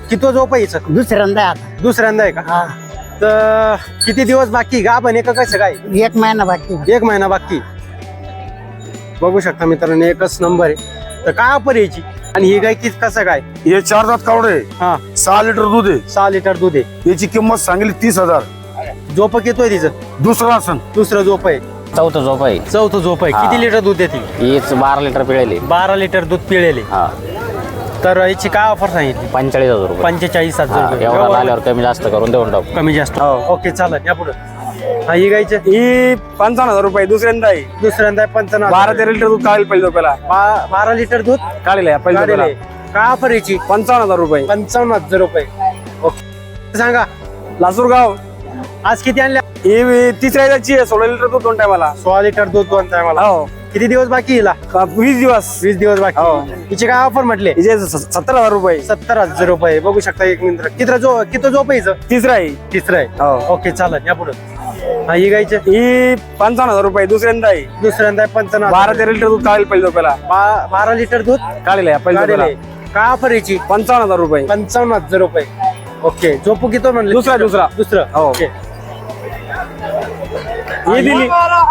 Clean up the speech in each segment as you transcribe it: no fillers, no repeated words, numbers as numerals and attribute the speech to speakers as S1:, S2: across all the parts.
S1: किती झोप आहे हिचं?
S2: दुसऱ्यांदा आहे आता.
S1: दुसऱ्यांदा आहे का?
S2: हा,
S1: तर किती दिवस बाकी गा पण का कसं काय?
S2: 1 महिना बाकी आहे.
S1: 1 महिना बाकी. बघू शकता मित्रांनो, एकच नंबर आहे. तर काय ऑफर यायची? आणि ही गाय किती कसं काय?
S3: हे 4 दात कावड आहे.
S1: हा,
S3: 6 लिटर दूध आहे.
S1: 6 लिटर दूध आहे.
S3: याची किंमत सांगली 30,000.
S1: झोप किती आहे तिचं?
S3: दुसरा आसन.
S1: दुसरं झोप आहे.
S4: चौथं झोप आहे.
S1: चौथं झोप आहे. किती लिटर दूध देते?
S4: हीच 12 लिटर पिळेली.
S1: 12 लिटर दूध पिळेले.
S4: हा,
S1: तर याची काय ऑफर सांगितली?
S4: 45,000 रुपये.
S1: 45,000
S4: हा,
S1: रुपये.
S4: एवढा आल्यावर कमी जास्त करून देऊन टाकू.
S1: कमी जास्त. ओके, चालेल. या पुढे. हा, ही गायचं
S3: ही 55,000 रुपये दुसऱ्यांदा आहे.
S1: दुसऱ्यांदा 55.
S3: 12-13 लिटर दूध काढेल पहिलं पहिला.
S1: 12 लिटर दूध
S3: काढेल पहिलं
S1: काढलेलं
S3: पहिला.
S1: आहे. काय ऑफर याची?
S3: 55,000 रुपये.
S1: 55,000 रुपये. ओके, सांगा.
S3: लासूरगाव.
S1: आज किती आणल्या?
S3: ही तिसऱ्या याची आहे. 16 लिटर दूध 2 टायमाला.
S1: 16 लिटर दूध 2 टायमाला.
S3: हो,
S1: किती दिवस बाकी हिला?
S3: 20 दिवस.
S1: 20 दिवस बाकी.
S3: हो.
S1: हिचे काय ऑफर म्हटले?
S3: हिचे 70,000 रुपये.
S1: 70,000 रुपये. बघू शकता. एक मिनिट. किती झोप आहे हिचं?
S3: तिसरा आहे.
S1: तिसरं आहे.
S3: हो.
S1: ओके, चालेल. या पुढे. हा, ही गायचं
S3: ही 55,000 रुपये दुसऱ्यांदा आहे.
S1: दुसऱ्यांदा 55.
S3: 12-13 लिटर दूध काढेल पहिलं पहिला.
S1: 12 लिटर दूध
S3: काढेल पहिलं
S1: काढलेलं
S3: पहिला.
S1: आहे. काय ऑफर याची?
S3: 55,000 रुपये.
S1: 55,000 रुपये. ओके, झोपू किती म्हणले?
S3: दुसरा.
S1: दुसरं.
S3: हो.
S1: ओके.
S3: ही दिली.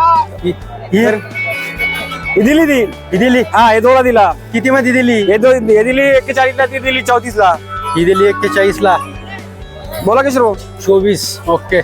S3: ही दिली ती.
S1: ही दिली.
S3: हा, हे दोळा दिला.
S1: किती मध्ये दिली?
S3: हे दिली 41 ला, ती दिली 34 ला.
S1: ही दिली 41 ला.
S3: बोला की शरू
S1: 24. ओके.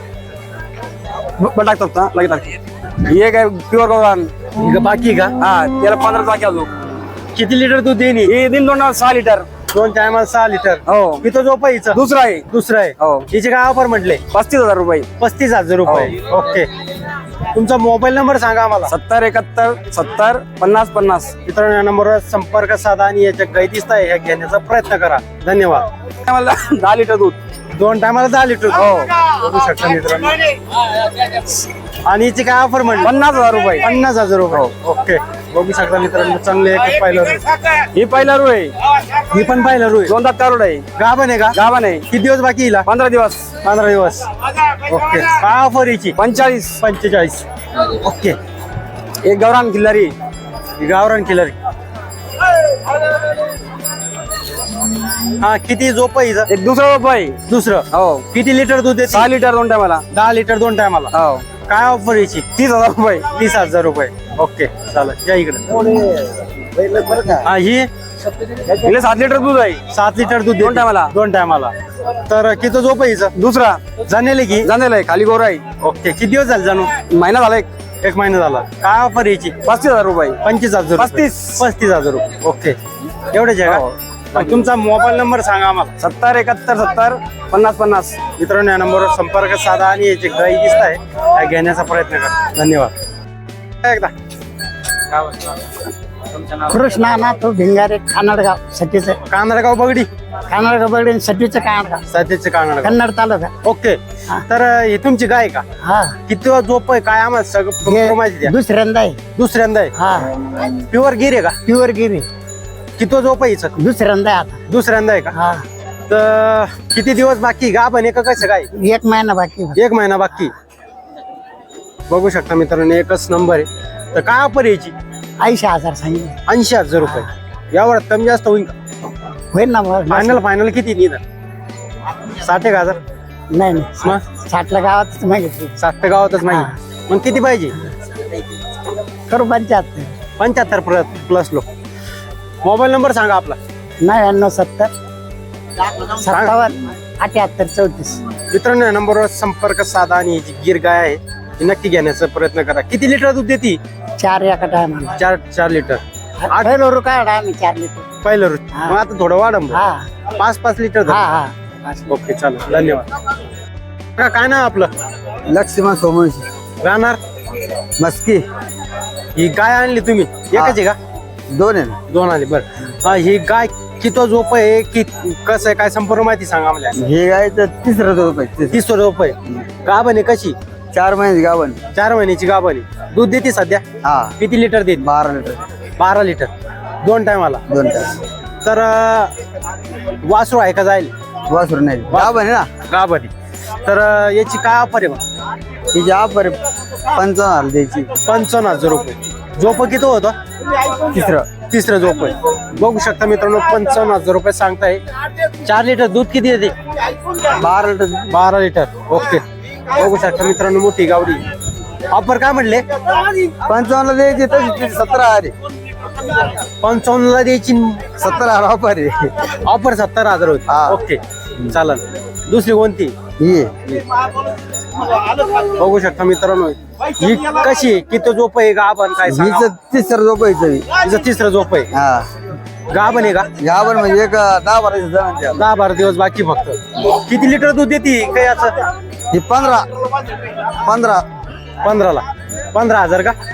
S3: टाकतात ना, लगेच टाकतात. ही एक आहे प्युअर गौरान.
S1: ही बाकी का?
S3: हा, त्याला 15 बाकी अजून.
S1: किती लिटर दूध देणी?
S3: ही दिन 6 लिटर.
S1: 2 टायमाला 6 लिटर.
S3: हो.
S1: किती झोप आहे हिचं?
S3: दुसरा आहे.
S1: दुसरं आहे.
S3: हो.
S1: हिचे काय ऑफर म्हटले?
S3: 35,000 रुपये.
S1: 35,000 रुपये. ओके. तुमचा मोबाईल नंबर सांगा आम्हाला.
S3: 70 71 70 50 50.
S1: मित्रांनो, या नंबरवर संपर्क साधा आणि याच्या गाई दिसत आहे ह्या घेण्याचा प्रयत्न करा. धन्यवाद.
S3: मला 10 लिटर दूध.
S1: 2 टायमाला 10 लिटर.
S3: हो.
S1: बघू शकता मित्रांनो. आणि हिची काय ऑफर म्हटली?
S3: 50,000 रुपये.
S1: 50,000 रुपये. ओके. बघू शकता मित्रांनो, चांगले एक पाहिलं.
S3: ही पहिला रू आहे.
S1: ही पण पाहिलं रोय.
S3: 2 दात कारोड आहे.
S1: गाभण आहे का?
S3: गाभा आहे.
S1: किती दिवस बाकी हिला?
S3: 15 दिवस.
S1: 15 दिवस. ओके. काय ऑफर याची?
S3: 45.
S1: 45. ओके.
S3: एक गौरान खिल्लारी.
S1: ही गावरान किलर. हा, किती झोप आहे हिचं?
S3: एक दुसरा रुपये.
S1: दुसरं.
S3: हो.
S1: किती लिटर दूध देते?
S3: 6 लिटर 2 टायमाला.
S1: 10 लिटर 2 टायमाला.
S3: हो.
S1: काय ऑफर याची?
S3: 30,000 रुपये.
S1: 30,000 रुपये. ओके, चालेल. या इकडे. हा, ही
S3: हिला 7 लिटर दूध आहे.
S1: 7 लिटर दूध
S3: 2 टायमाला.
S1: 2 टायमाला. तर किती झोप आहे हिचं?
S3: दुसरा
S1: जाणेले की?
S3: जाणेल आहे. खाली गोरा आहे.
S1: ओके. किती दिवस झाले जाणू?
S3: महिना झाला एक.
S1: 1 महिना झाला. काय ऑफर याची?
S3: 35,000 रुपये.
S1: 25,000. 35,000 रुपये. ओके. एवढेच आहे
S3: हो.
S1: का? तुमचा मोबाईल नंबर सांगा आम्हाला.
S3: 70 71 70 50 50.
S1: मित्रांनो, या नंबरवर संपर्क साधा आणि याची गाई दिसत आहे त्या घेण्याचा प्रयत्न करा. धन्यवाद. एकदा
S2: कृष्णा ना तो भिंगारे कानडगाव सटीचं.
S1: कानडगाव बगडी.
S2: कानडगाव बगडे सटीचं कानडगाव.
S1: सध्याचे कानडगाव.
S2: कन्नड तालुका.
S1: ओके. तर ही तुमची गाय का?
S2: हा,
S1: किती झोप आहे काय आम्हाला सगळं
S2: हे
S1: माहिती द्या.
S2: दुसऱ्यांदा आहे.
S1: दुसऱ्यांदा आहे.
S2: हा,
S1: प्युअर गिर आहे का?
S2: प्युअर गिरी.
S1: किती झोप आहे हिचं?
S2: दुसऱ्यांदा आहे आता.
S1: दुसऱ्यांदा आहे का?
S2: हा,
S1: तर किती दिवस बाकी? गाभण आहे का कसं काय?
S2: 1 महिना बाकी आहे.
S1: 1 महिना बाकी. बघू शकता मित्रांनो, एकच नंबर आहे. तर काय ऑफर यायची?
S2: 80,000 सांगितले.
S1: 80,000 रुपये. यावर कमी जास्त होईल का?
S2: होईल ना मग?
S1: फायनल किती निघाल? 60,000.
S2: नाही
S1: मग?
S2: नाही, 60ला गावातच मागितली.
S1: 60 गावातच नाही. मग किती पाहिजे?
S2: करू 75.
S1: 75 प्लस लोक. मोबाईल नंबर सांगा आपला.
S2: 99 70 57 78 34.
S1: मित्रांनो, या नंबरवर संपर्क साधा आणि जी गिर गाय आहे ती नक्की घेण्याचा प्रयत्न करा. किती लिटर दूध देते?
S2: 4 एका टायमाला.
S1: 4 लिटर.
S2: 8 रू काढा आम्ही 4 लिटर.
S1: पहिलं रोज.
S2: हा.
S1: मग आता थोडं वाढम.
S2: हा
S1: 5 लिटर
S2: हा
S1: धरा.
S2: हा.
S1: ओके, चालेल. धन्यवाद. काय नाव आपलं?
S5: लक्ष्मण सोमवंशी.
S1: राहणार
S5: मस्की.
S1: ही गाय आणली तुम्ही? एकच आहे का?
S5: 2 आहे ना.
S1: 2 आली. बरं. ही गाय किती झोप आहे की कसं आहे काय संपूर्ण माहिती सांगा आम्हाला.
S5: हे गाय तर 30 रुपये.
S1: 30 झोप आहे. गाभण आहे कशी?
S5: 4 महिन्याची गावन.
S1: 4 महिन्याची गाभण आहे. दूध देते सध्या?
S5: हा,
S1: किती लिटर देते?
S5: 12 लिटर.
S1: 12 लिटर 2 टायमाला.
S5: 2 तास.
S1: तर वासरू आहे का जाईल?
S5: वासरू नाही गावन आहे ना.
S1: गाभण आहे. तर याची काय ऑफर आहे मग?
S5: तिची ऑफर 55,000 द्यायची.
S1: 55,000 रुपये. झोप किती होतं? तिसरं झोप आहे. बघू शकता मित्रांनो 55,000 रुपये सांगताय. 4 लिटर दूध किती येते?
S5: 12 लिटर
S1: 12 लिटर. ओके. बघू शकता मित्रांनो मोठी गावडी. ऑफर काय म्हणले?
S5: 55 द्यायची तशी 17,000
S1: 55 ला द्यायची.
S5: 17,000 ऑफर आहे.
S1: ऑफर 70,000 होती.
S5: हा.
S1: ओके चालेल. दुसरी कोणती?
S5: ही
S1: बघू शकता मित्रांनो ही कशी आहे? किती झोप आहे गाभण काय सांगा?
S5: हिचं तिसरं झोपायचं
S1: हिचं तिसरं झोप आहे.
S5: हा
S1: गाभण आहे का?
S5: गाभण म्हणजे एक 10-12 जण द्या.
S1: 10-12 दिवस बाकी फक्त. किती लिटर दूध देते काय असं?
S5: ही 15
S1: 15 ला 15,000 का?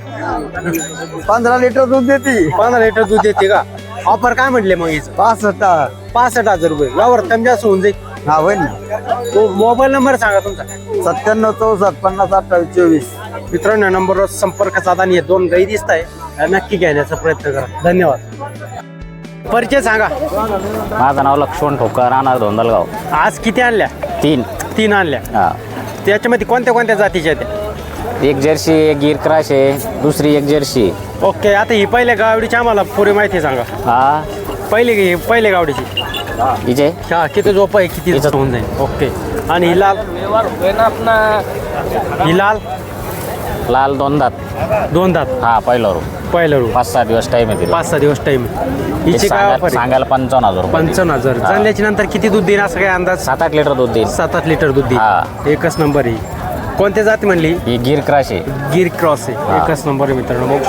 S5: 15 लिटर दूध देते.
S1: 15 लिटर दूध देते का? ऑफर काय म्हटले मग हिचं?
S5: 65.
S1: 65,000 रुपये. यावर कमी जास्त होऊन जाईल.
S5: हा होईल ना.
S1: तो मोबाईल नंबर सांगा तुमचा.
S5: 97 64 50 28 24.
S1: मित्रांनो नंबरवर संपर्क साधा आणि हे 2 गाई दिसत आहे नक्की घेण्याचा प्रयत्न करा. धन्यवाद. परिचय सांगा.
S4: माझं नाव लक्ष्मण ठोकर, राहणार धोंदलगाव.
S1: आज किती आणल्या?
S4: 3.
S1: आणल्या.
S4: हा.
S1: त्याच्यामध्ये कोणत्या जातीच्या आहेत?
S4: एक जर्सी, एक गिर क्रॉस आहे, दुसरी एक जर्सी.
S1: ओके. आता ही पहिल्या गावडीची आम्हाला पुरी माहिती सांगा.
S4: हा.
S1: पहिल्या गावडीची
S4: हिचे
S1: हा किती झोप आहे किती
S4: हिचं-
S1: होऊन जाईल. ओके. आणि ही लाल? ही लाल
S4: लाल 2 दात.
S1: 2 दात.
S4: हा पहिला रू.
S1: पहिलं रू.
S4: 5-6 दिवस टाइम आहे तिला.
S1: 5-6 दिवस टाइम. हिची काय ऑफर आहे?
S4: सांगायला 55,000 रुपये.
S1: 55,000.
S4: हा.
S1: चालल्याच्या नंतर किती दूध देईल असं काय अंदाज?
S4: 7-8 लिटर दूध देईल.
S1: 7-8 लिटर दूध देईल.
S4: हा.
S1: एकच नंबर आहे. कोणत्या जाती म्हणली?
S4: ही गिर क्रॉस आहे.
S1: गिर क्रॉस आहे.
S4: हा.
S1: एकच नंबर आहे मित्रांनो बघू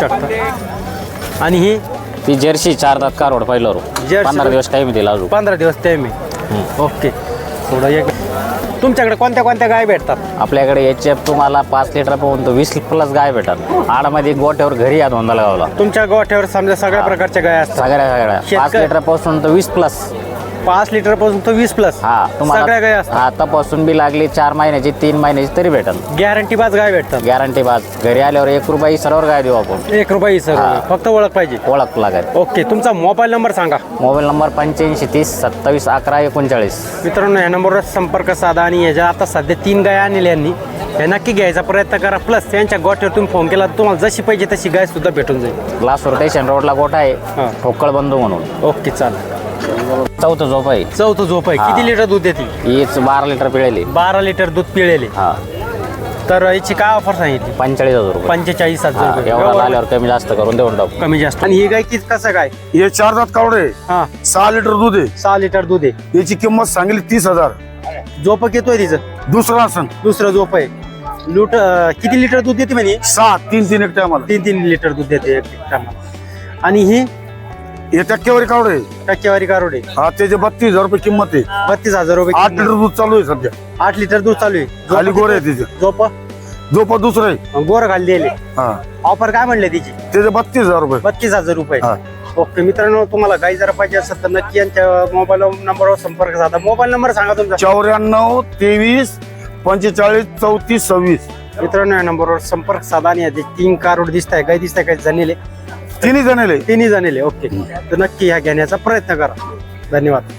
S1: शकता. आणि ही
S4: ती जर्सी 4 दात कारोड पहिला रू.
S1: जर्सी.
S4: 15 दिवस टाइम आहे तिला अजून.
S1: 15 दिवस टाइम आहे. ओके. थोडं एक तुमच्याकडे कोणत्या गाय भेटतात?
S4: आपल्याकडे याचे तुम्हाला 5 लिटर पर्यंत 20+ गाय भेटतात. आडमध्ये गोट्यावर घरी या धोंदलगावला.
S1: तुमच्या गोठ्यावर समजा सगळ्या प्रकारच्या गाय असतात.
S4: सगळ्या 5 लिटर पासून तर 20+.
S1: 5 लिटर पासून तो 20+.
S4: हा
S1: सगळ्या गाय असतात.
S4: आतापासून बी लागली 4 महिन्याची 3 महिन्याची तरी भेटल.
S1: गॅरंटी बाज गाय भेटतात.
S4: गॅरंटी बाज. घरी आल्यावर 1 रुपये सर्व गाय देऊ आपण.
S1: 1 रुपये सर.
S4: हा.
S1: फक्त ओळख पाहिजे.
S4: ओळख लागेल.
S1: ओके. तुमचा मोबाईल नंबर सांगा.
S4: Mobile number 85 30 27 11 39.
S1: मित्रांनो या नंबरवर संपर्क साधा आणि याच्या आता सध्या 3 गाय आणलेल्या यांनी हे नक्की घ्यायचा प्रयत्न करा. प्लस त्यांच्या गोठ्यावर तुम्ही फोन केला तर तुम्हाला जशी पाहिजे तशी गाय सुद्धा भेटून जाईल.
S4: ग्लास स्टेशन रोडला गोठा
S1: हा.
S4: आहे, ठोकळ बंधू म्हणून.
S1: ओके चालेल.
S4: चौथं झोप आहे.
S1: चौथं झोप आहे.
S4: हा.
S1: किती लिटर दूध देते?
S4: हीच 12 लिटर पिळेली.
S1: 12 लिटर दूध पिळेले.
S4: हा.
S1: तर याची काय ऑफर सांगितली?
S4: 45,000 रुपये.
S1: 45,000
S4: हा,
S1: रुपये.
S4: एवढा आल्यावर कमी जास्त करून देऊन टाकू.
S1: कमी जास्त. आणि ही गाय किती कसं काय?
S6: हे 4 दात कावडे
S1: हा
S6: 6 लिटर दूध आहे.
S1: 6 लिटर दूध आहे.
S6: याची किंमत सांगली 30,000.
S1: झोप येतोय तिचं?
S6: दुसरा आसन
S1: दुसरं झोप आहे. किती लिटर दूध देते म्हणे?
S6: 6 3 एक टायमाला.
S1: 3 लिटर दूध देते एक टायमाला. आणि ही
S6: हे टक्केवारी कावडे.
S1: टक्केवारी कारोडे.
S6: हा त्याचे 32,000 रुपये किंमत आहे.
S1: 32,000 रुपये.
S6: 8 लिटर दूध चालू आहे सध्या.
S1: 8 लिटर दूध चालू आहे.
S6: खाली गोर आहे तिचे.
S1: झोप
S6: दुसरं आहे.
S1: गोर खाली दिले.
S6: हा
S1: ऑफर काय म्हणले तिची?
S6: त्याचे 32,000 रुपये.
S1: 32,000 रुपये.
S6: हा.
S1: ओके. मित्रांनो तुम्हाला गाई जर पाहिजे असेल तर नक्की यांच्या मोबाईल नंबरवर संपर्क साधा. मोबाईल नंबर सांगा तुमचा.
S6: 94 23 45 34 26.
S1: मित्रांनो या नंबरवर संपर्क साधा आणि याचे 3 कारोड दिसत आहे. गाई दिसत आहे काही जणेले?
S6: तिन्ही जणले.
S1: तिन्ही जणेले. ओके. तर नक्की ह्या घेण्याचा प्रयत्न करा. धन्यवाद.